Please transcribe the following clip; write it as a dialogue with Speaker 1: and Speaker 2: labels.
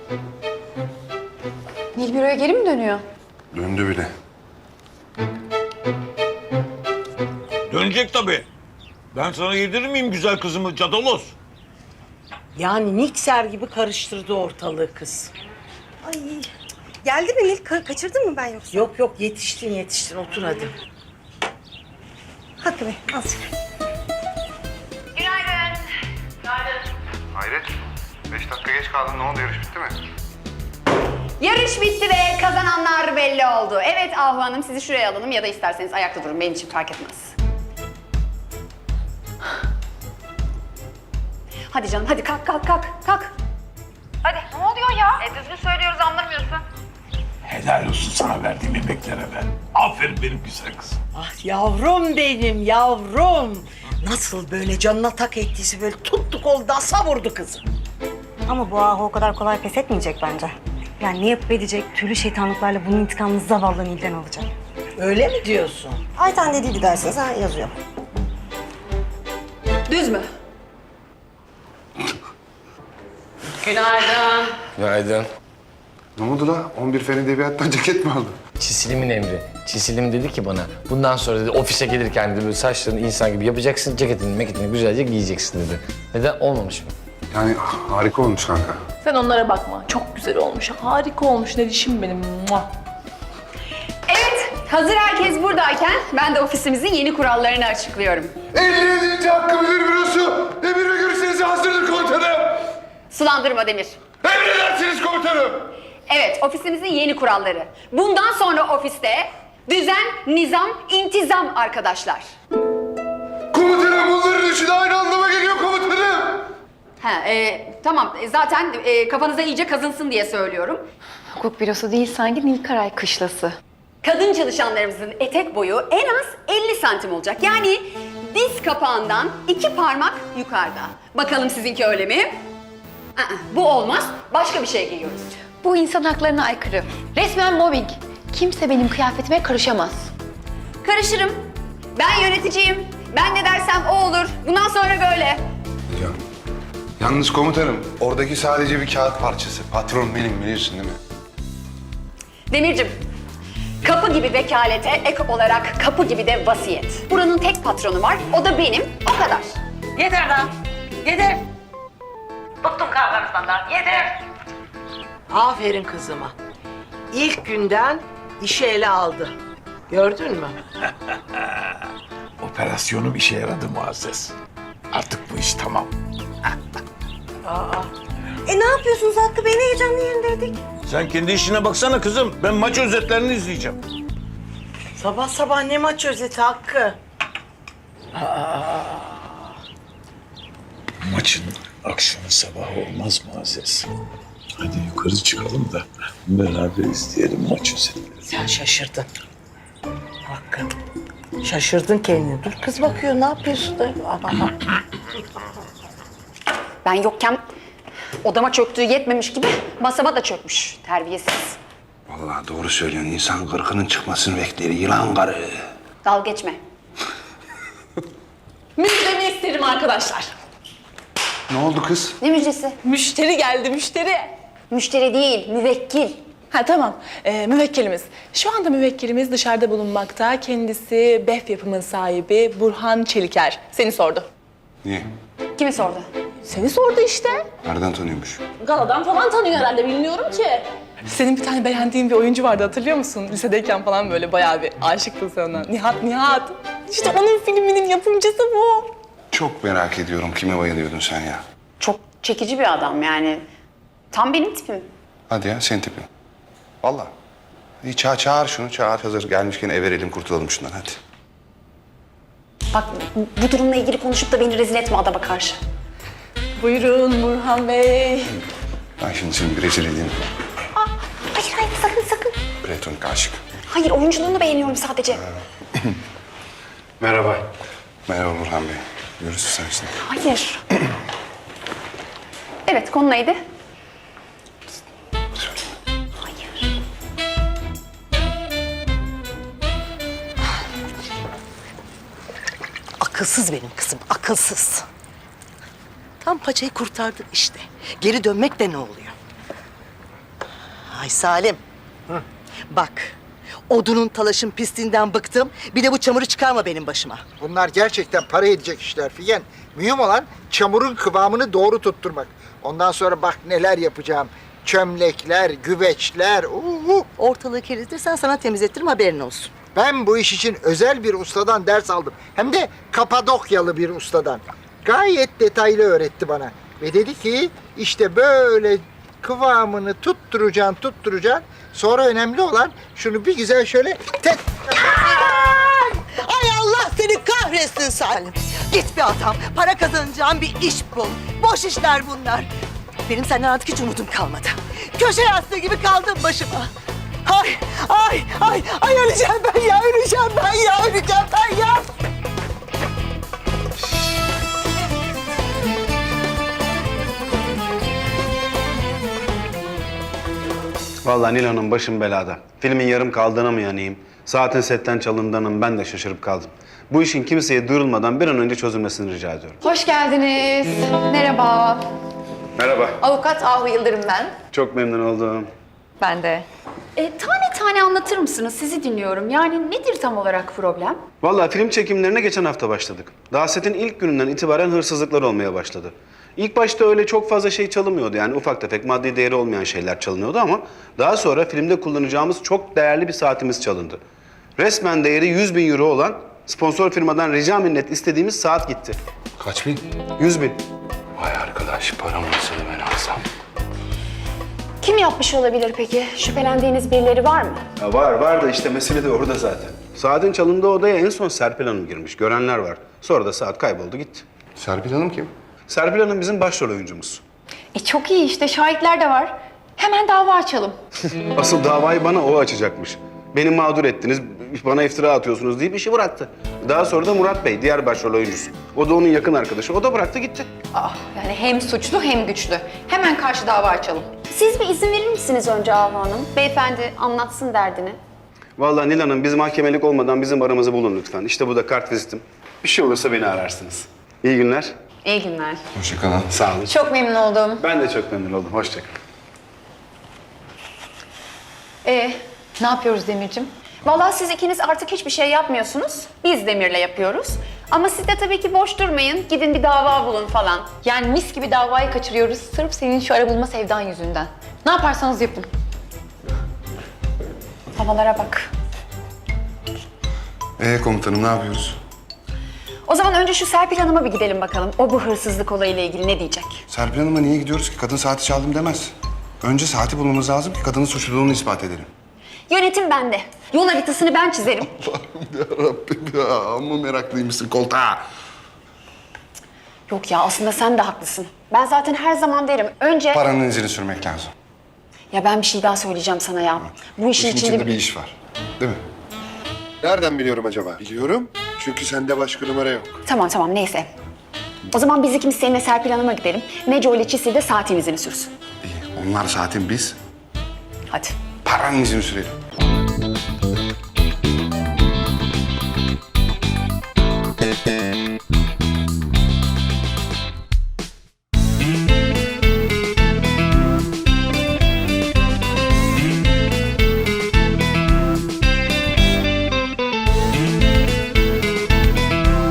Speaker 1: Nil büroya geri mi dönüyor?
Speaker 2: Döndü bile.
Speaker 3: Dönecek tabii. Ben sana yedirir miyim güzel kızımı Cadalos?
Speaker 4: Yani mikser gibi karıştırdı ortalığı kız.
Speaker 5: Ay, geldi mi Nil? Kaçırdın mı ben yoksa?
Speaker 4: Yok yok yetiştin otur hadi.
Speaker 5: Hakkı Bey, azıcık.
Speaker 2: Hayret. 5 dakika geç kaldın. Ne oldu? Yarış bitti mi?
Speaker 1: Yarış bitti ve kazananlar belli oldu. Evet Ahu Hanım, sizi şuraya alalım ya da isterseniz ayakta durun. Benim için fark etmez. Hadi canım, hadi kalk.
Speaker 6: Hadi ne oluyor ya? Düzgün söylüyoruz anlamıyorsun.
Speaker 3: Helal olsun sana verdiğim emeklere ben. Aferin benim güzel kızım.
Speaker 4: Ah yavrum benim yavrum. Nasıl böyle canına tak ettiyse böyle tuttu koldan savurdu kızı.
Speaker 5: Ama bu ahu o kadar kolay pes etmeyecek bence. Yani ne yapıp edecek, türlü şeytanlıklarla bunun intikamını zavallı Nil'den alacak.
Speaker 4: Öyle mi diyorsun?
Speaker 5: Ayten dediydi derseniz ha yazıyor.
Speaker 1: Düz mü?
Speaker 7: Günaydın.
Speaker 2: Ne oldu la? 11 fen edebiyattan ceket mi aldın?
Speaker 7: Çisilimin emri. Çisilim dedi ki bana, bundan sonra dedi ofise gelirken dedi böyle saçlarını insan gibi yapacaksın, ceketini meketini güzelce giyeceksin dedi. Neden? Olmamış mı?
Speaker 2: Yani harika olmuş kanka.
Speaker 8: Sen onlara bakma. Çok güzel olmuş. Harika olmuş. Ne dişim benim. Muah.
Speaker 1: Evet, hazır herkes buradayken ben de ofisimizin yeni kurallarını açıklıyorum.
Speaker 2: 57. Hakkı Müdür Bürosu. Emir ve görüşlerinize hazırdır komutanım.
Speaker 1: Sulandırma Demir.
Speaker 2: Emredersiniz komutanım.
Speaker 1: Evet, ofisimizin yeni kuralları. Bundan sonra ofiste düzen, nizam, intizam arkadaşlar.
Speaker 2: Komutanım bunların üçü de aynı anlama geliyor komutanım.
Speaker 1: Tamam. Zaten kafanıza iyice kazınsın diye söylüyorum.
Speaker 6: Hukuk bürosu değil sanki Nilkaray kışlası.
Speaker 1: Kadın çalışanlarımızın etek boyu en az 50 santim olacak. Yani diz kapağından 2 parmak yukarıda. Bakalım sizinki öyle mi? Bu olmaz. Başka bir şey giyiyoruz.
Speaker 6: Bu insan haklarına aykırı. Resmen mobbing. Kimse benim kıyafetime karışamaz.
Speaker 1: Karışırım. Ben yöneticiyim. Ben ne dersem o olur. Bundan sonra böyle.
Speaker 2: Ya. Yalnız komutanım oradaki sadece bir kağıt parçası. Patron benim biliyorsun değil mi?
Speaker 1: Demircim, kapı gibi vekalete ek olarak kapı gibi de vasiyet. Buranın tek patronu var. O da benim. O kadar.
Speaker 4: Yeter lan yeter. Bıktım kavganızdan lan yeter. Aferin kızıma. İlk günden işi ele aldı. Gördün mü?
Speaker 3: Operasyonum işe yaradı Muazzez. Artık bu iş tamam.
Speaker 5: Ne yapıyorsunuz Hakkı Bey? Ne heyecanlı yerindeydik.
Speaker 3: Sen kendi işine baksana kızım. Ben maç özetlerini izleyeceğim.
Speaker 4: Sabah sabah ne maç özeti Hakkı?
Speaker 3: Maçın akşamı sabahı olmaz Muazzez. Hadi yukarı çıkalım da beraber izleyelim maç özetlerini.
Speaker 4: Sen şaşırdın. Hakkı. Şaşırdın kendini. Dur kız bakıyor ne yapıyorsun da?
Speaker 1: Ben yokken odama çöktüğü yetmemiş gibi masama da çökmüş. Terbiyesiz.
Speaker 2: Vallahi doğru söylüyorsun. İnsan kırkının çıkmasını bekler. Yılan karı.
Speaker 1: Dalga geçme.
Speaker 8: Müjdemi isterim arkadaşlar.
Speaker 2: Ne oldu kız?
Speaker 1: Ne müjdesi?
Speaker 8: Müşteri geldi, müşteri.
Speaker 1: Müşteri değil, müvekkil.
Speaker 8: Ha tamam, müvekkilimiz. Şu anda müvekkilimiz dışarıda bulunmakta. Kendisi BEF yapımın sahibi Burhan Çeliker. Seni sordu.
Speaker 2: Niye?
Speaker 1: Kimi sordu?
Speaker 8: Seni sordu işte.
Speaker 2: Nereden tanıyormuş?
Speaker 8: Galadan falan tanıyor herhalde, bilmiyorum ki. Senin bir tane beğendiğin bir oyuncu vardı, hatırlıyor musun? Lisedeyken falan böyle bayağı bir aşıktın sen ona. Nihat. İşte onun filminin yapımcısı bu.
Speaker 2: Çok merak ediyorum. Kime bayılıyordun sen ya?
Speaker 1: Çok çekici bir adam yani. Tam benim tipim.
Speaker 2: Hadi ya senin tipin. Vallahi. İyi çağır şunu. Çağır hazır. Gelmişken ev verelim kurtulalım şundan hadi.
Speaker 1: Bak bu durumla ilgili konuşup da beni rezil etme adama karşı.
Speaker 8: Buyurun Burhan Bey.
Speaker 2: Ben şimdi seni bir rezil edeyim.
Speaker 1: Hayır sakın.
Speaker 2: Platonik aşık.
Speaker 1: Hayır oyunculuğunu beğeniyorum sadece.
Speaker 2: Merhaba. Merhaba Burhan Bey. Görüşürüz sen şimdi.
Speaker 1: Hayır. Evet konu neydi? Hayır.
Speaker 4: Akılsız benim kızım, akılsız. Tam paçayı kurtardık işte. Geri dönmek de ne oluyor? Ay Salim. Bak. Odunun talaşın pisliğinden bıktım. Bir de bu çamuru çıkarma benim başıma.
Speaker 9: Bunlar gerçekten para edecek işler Figen. Mühim olan çamurun kıvamını doğru tutturmak. Ondan sonra bak neler yapacağım. Çömlekler, güveçler.
Speaker 4: Ortalığı kirletirsen sana temizletirim, haberin olsun.
Speaker 9: Ben bu iş için özel bir ustadan ders aldım. Hem de Kapadokyalı bir ustadan. Gayet detaylı öğretti bana. Ve dedi ki işte böyle kıvamını tutturacaksın. Sonra önemli olan şunu bir güzel şöyle
Speaker 4: Ay Allah seni kahretsin Salim. Git bir adam, para kazanacağın bir iş bul. Boş işler bunlar. Benim senden artık hiç umudum kalmadı. Köşe yastığı gibi kaldım başıma. Ay öleceğim ben ya, öleceğim ben ya.
Speaker 2: Vallahi Nil Hanım başım belada. Filmin yarım kaldığına mı yanayım? Saatin setten çalındığına mı ben de şaşırıp kaldım. Bu işin kimseye duyurulmadan bir an önce çözülmesini rica ediyorum.
Speaker 6: Hoş geldiniz. Merhaba.
Speaker 2: Merhaba.
Speaker 6: Avukat Ahu Yıldırım ben.
Speaker 2: Çok memnun oldum.
Speaker 6: Ben de.
Speaker 1: Tane tane anlatır mısınız? Sizi dinliyorum. Yani nedir tam olarak problem?
Speaker 2: Vallahi film çekimlerine geçen hafta başladık. Daha setin ilk gününden itibaren hırsızlıklar olmaya başladı. İlk başta öyle çok fazla şey çalınmıyordu. Yani ufak tefek maddi değeri olmayan şeyler çalınıyordu ama daha sonra filmde kullanacağımız çok değerli bir saatimiz çalındı. Resmen değeri 100.000 euro olan sponsor firmadan rica minnet istediğimiz saat gitti. Kaç bin? 100.000.
Speaker 3: Vay arkadaş paramı olsa da ben alsam.
Speaker 1: Kim yapmış olabilir peki? Şüphelendiğiniz birileri var mı?
Speaker 2: Ya var da işte mesele de orada zaten. Saatin çalındığı odaya en son Serpil Hanım girmiş. Görenler var. Sonra da saat kayboldu gitti. Serpil Hanım kim? Serpil Hanım bizim başrol oyuncumuz.
Speaker 6: Çok iyi işte, şahitler de var. Hemen dava açalım.
Speaker 2: Asıl davayı bana o açacakmış. Beni mağdur ettiniz, bana iftira atıyorsunuz deyip işi bıraktı. Daha sonra da Murat Bey, diğer başrol oyuncusu. O da onun yakın arkadaşı. O da bıraktı gitti.
Speaker 6: Yani hem suçlu hem güçlü. Hemen karşı dava açalım.
Speaker 1: Siz bir izin verir misiniz önce Ahu Hanım? Beyefendi anlatsın derdini.
Speaker 2: Vallahi Nil Hanım, biz mahkemelik olmadan bizim aramızı bulun lütfen. İşte bu da kart vizitim. Bir şey olursa beni ararsınız. İyi günler.
Speaker 1: İyi günler.
Speaker 2: Hoşçakalın. Sağ olun.
Speaker 6: Çok memnun oldum.
Speaker 2: Ben de çok memnun oldum. Hoşçakalın.
Speaker 6: Ne yapıyoruz Demircim?
Speaker 1: Vallahi siz ikiniz artık hiçbir şey yapmıyorsunuz. Biz Demir'le yapıyoruz. Ama siz de tabii ki boş durmayın. Gidin bir dava bulun falan.
Speaker 6: Yani mis gibi davayı kaçırıyoruz sırf senin şu ara bulma sevdan yüzünden. Ne yaparsanız yapın.
Speaker 1: Havalara bak.
Speaker 2: Komutanım ne yapıyoruz?
Speaker 1: O zaman önce şu Serpil Hanım'a bir gidelim bakalım. O bu hırsızlık olayıyla ilgili ne diyecek?
Speaker 2: Serpil Hanım'a niye gidiyoruz ki? Kadın saati çaldım demez. Önce saati bulmamız lazım ki kadının suçluluğunu ispat edelim.
Speaker 1: Yönetim bende. Yol haritasını ben çizerim.
Speaker 2: Yarabbim ya, amma meraklıymışsın koltuğa.
Speaker 1: Yok ya, aslında sen de haklısın. Ben zaten her zaman derim. Önce...
Speaker 2: Paranın izini sürmek lazım.
Speaker 1: Ya ben bir şey daha söyleyeceğim sana ya. Bu işin içinde
Speaker 2: bir iş var. Değil mi?
Speaker 10: Nereden biliyorum acaba? Biliyorum. Çünkü sende başka numara yok.
Speaker 1: Tamam neyse. O zaman biz ikimiz seninle Serpil Hanım'a gidelim. Neco ile Çisil de saatin izini sürsün.
Speaker 2: İyi. Onlar saatin biz.
Speaker 1: Hadi.
Speaker 2: Paranın izini sürelim.